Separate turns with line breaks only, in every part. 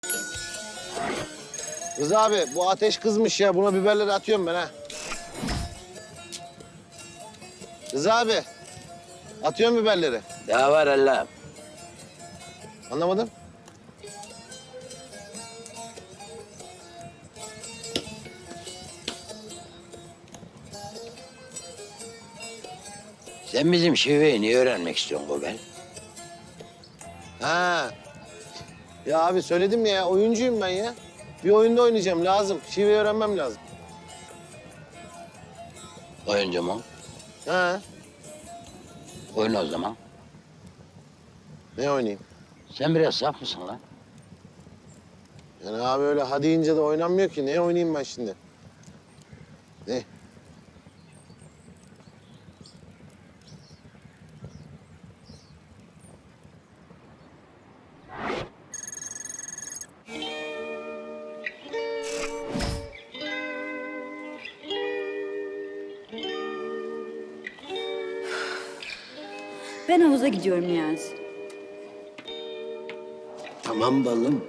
Kız abi bu ateş kızmış ya. Buna biberleri atıyorum ben ha. Kız abi. Atıyorum biberleri.
Daha var Allah'ım.
Anlamadım.
Sen bizim şiveyi niye öğrenmek istiyorsun Gobel?
Ha. Ya abi söyledim ya oyuncuyum ben ya. Bir oyunda oynayacağım lazım. Şiveyi öğrenmem lazım.
Oyuncu mu?
Ha.
Oyna o zaman.
Ne oynayayım?
Sen biraz saf mısın lan?
Yani abi öyle hadi deyince de oynanmıyor ki. Ne oynayayım ben şimdi? Ne?
Ben havuza gidiyorum Niyazi.
Tamam balım.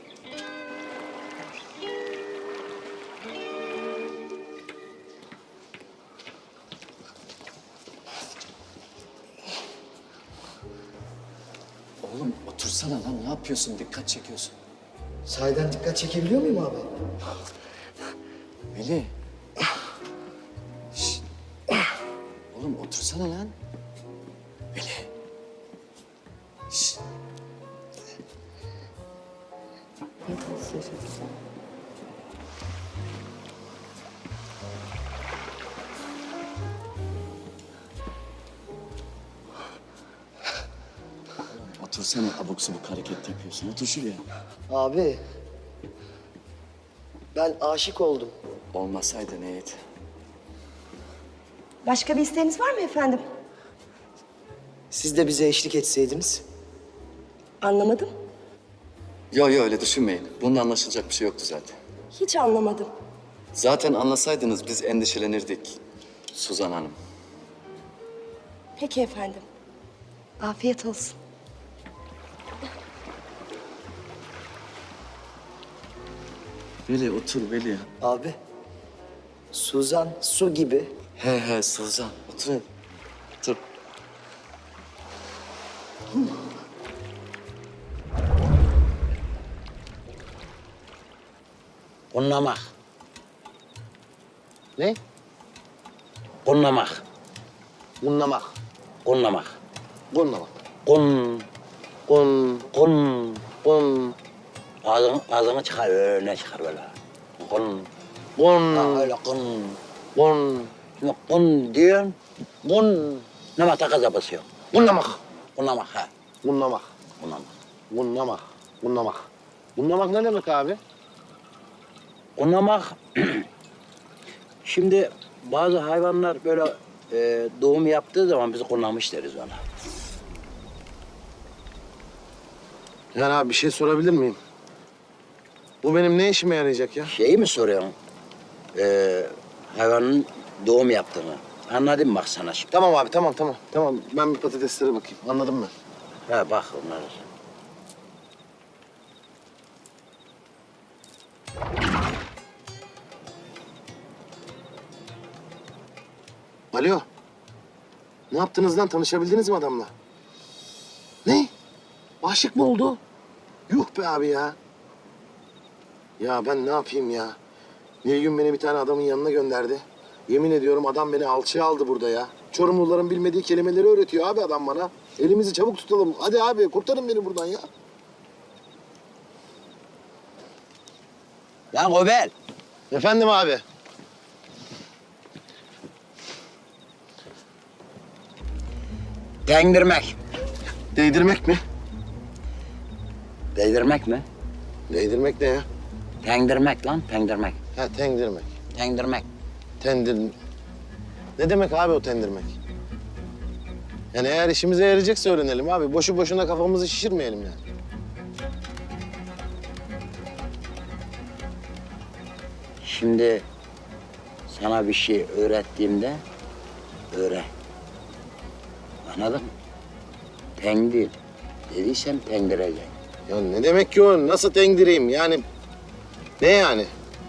Oğlum otursana lan, ne yapıyorsun? Dikkat çekiyorsun.
Sahiden dikkat çekebiliyor muyum abi?
Veli. Şşt. Oğlum otursana lan. Veli. Şşt. Otursana, abuk subuk hareket yapıyorsun. Otur şuraya.
Abi, ben aşık oldum.
Olmasaydı neydi?
Başka bir isteğiniz var mı efendim?
Siz de bize eşlik etseydiniz.
Anlamadım.
Yo öyle düşünmeyin. Bunun anlaşılacak bir şey yoktu zaten.
Hiç anlamadım.
Zaten anlasaydınız biz endişelenirdik Suzan Hanım.
Peki efendim. Afiyet olsun.
Veli otur Veli.
Abi, Suzan su gibi.
He Suzan. Otur hadi. Otur.
Kunlamak.
Ne?
Kunlamak.
Bunlamak.
Kunlamak.
Bunlamak.
Kun.
Kun.
Kun.
Kun.
Ağzını çıkar, öne çıkar böyle. Kun.
Kun.
Ha, öyle kun.
Kun.
Şimdi kun diyorsun. Kun. Namata gaza basıyor.
Bunlamak.
Kunlamak ha.
Bunlamak.
Kunlamak.
Bunlamak. Bunlamak. Bunlamak ne demek abi?
Kunlamak. Şimdi bazı hayvanlar böyle doğum yaptığı zaman biz kunlamış deriz ona.
Yani abi bir şey sorabilir miyim? Bu benim ne işime yarayacak ya?
Şeyi mi soruyorsun? Hayvanın doğum yaptığını. Anladın mı bak sana şimdi?
Tamam abi tamam. Tamam ben bir patateslere bakayım. Anladın mı?
Ha bak onları.
Alo. Ne yaptınız lan? Tanışabildiniz mi adamla? Ne? Aşık mı oldu? Yuh be abi ya. Ya ben ne yapayım ya? Nilgün beni bir tane adamın yanına gönderdi. Yemin ediyorum adam beni alçıya aldı burada ya. Çorumluların bilmediği kelimeleri öğretiyor abi adam bana. Elimizi çabuk tutalım. Hadi abi kurtarın beni buradan ya.
Lan Gobel.
Efendim abi.
Değdirmek.
Değdirmek mi?
Değdirmek mi?
Değdirmek ne ya?
Tengdirmek lan, tengdirmek.
Ha tendirmek.
Tengdirmek.
Tendir... Ne demek abi o tendirmek? Yani eğer işimize yarayacaksa öğrenelim abi. Boşu boşuna kafamızı şişirmeyelim yani.
Şimdi sana bir şey öğrettiğimde öğren. Anladın mı? Tengdir dediysem tengdireceksin.
Ya ne demek ki o? Nasıl tengdireyim? Yani ne yani?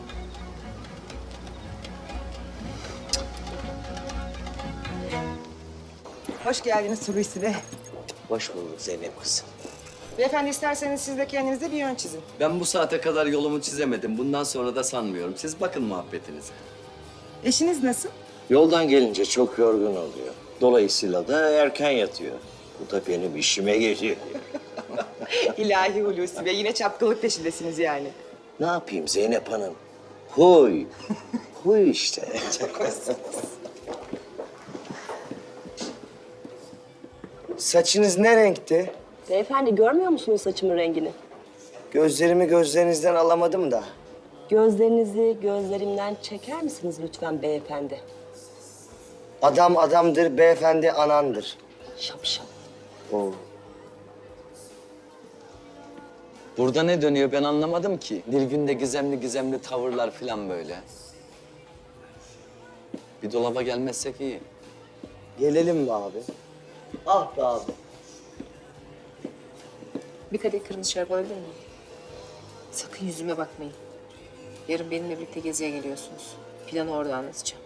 Hoş geldiniz Hulusi Bey.
Hoş bulduk Zeynep kızım.
Beyefendi isterseniz siz de kendinize bir yön çizin.
Ben bu saate kadar yolumu çizemedim. Bundan sonra da sanmıyorum. Siz bakın muhabbetinize.
Eşiniz nasıl?
Yoldan gelince çok yorgun oluyor. Dolayısıyla da erken yatıyor. Bu da benim işime geliyor.
İlahi Hulusi Bey, yine çapkınlık peşindesiniz yani.
Ne yapayım Zeynep Hanım? Huy. Huy işte.
Saçınız ne renkti?
Beyefendi görmüyor musunuz saçımın rengini?
Gözlerimi gözlerinizden alamadım da.
Gözlerinizi gözlerimden çeker misiniz lütfen beyefendi?
Adam adamdır, beyefendi anandır.
Şapşal.
Oo.
Burada ne dönüyor ben anlamadım ki. Nilgün'de gizemli gizemli tavırlar falan böyle. Bir dolaba gelmezsek iyi.
Gelelim mi abi? Ah be abi.
Bir kadeh kırmızı şarap alabilir miyim? Sakın yüzüme bakmayın. Yarın benimle birlikte geziye geliyorsunuz. Planı orada anlatacağım.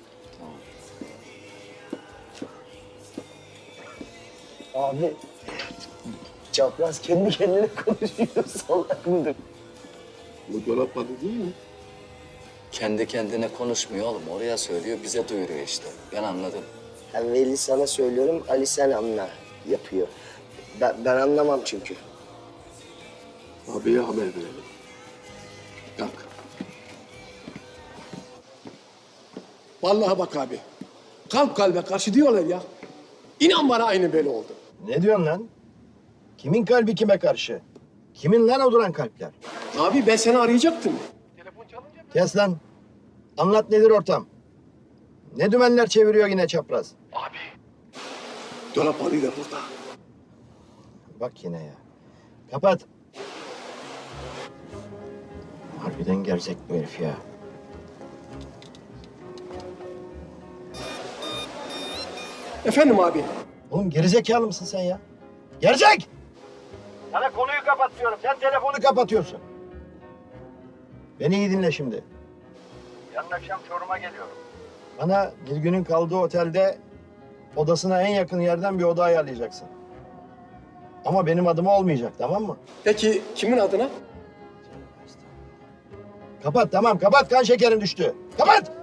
Abi. Çapraz kendi kendine konuşuyor. Salak mıdır?
Bu dolap adı değil mi?
Kendi kendine konuşmuyor oğlum. Oraya söylüyor, bize duyuruyor işte. Ben anladım.
Veli sana söylüyorum, Ali sen anla yapıyor. Ben anlamam çünkü.
Abiye haber verelim. Kalk.
Vallahi bak abi. Kalp kalbe karşı diyorlar ya. İnan bana aynı böyle oldu.
Ne diyorsun lan? Kimin kalbi kime karşı? Kimin lan o duran kalpler?
Abi ben seni arayacaktım.
Kes lan. Anlat nedir ortam? Ne dümenler çeviriyor yine çapraz?
Dolap Ali de burada.
Bak yine ya. Kapat. Harbiden gerzek bu herif ya.
Efendim abi.
Oğlum gerizekalı mısın sen ya? Gerzek! Sana konuyu kapatıyorum. Sen telefonu kapatıyorsun. Beni iyi dinle şimdi. Yarın akşam Çorum'a geliyorum. Bana Nilgün'ün kaldığı otelde odasına en yakın yerden bir oda ayarlayacaksın. Ama benim adıma olmayacak, tamam mı?
Peki kimin adına?
Kapat, tamam. Kapat, kan şekerin düştü. Kapat!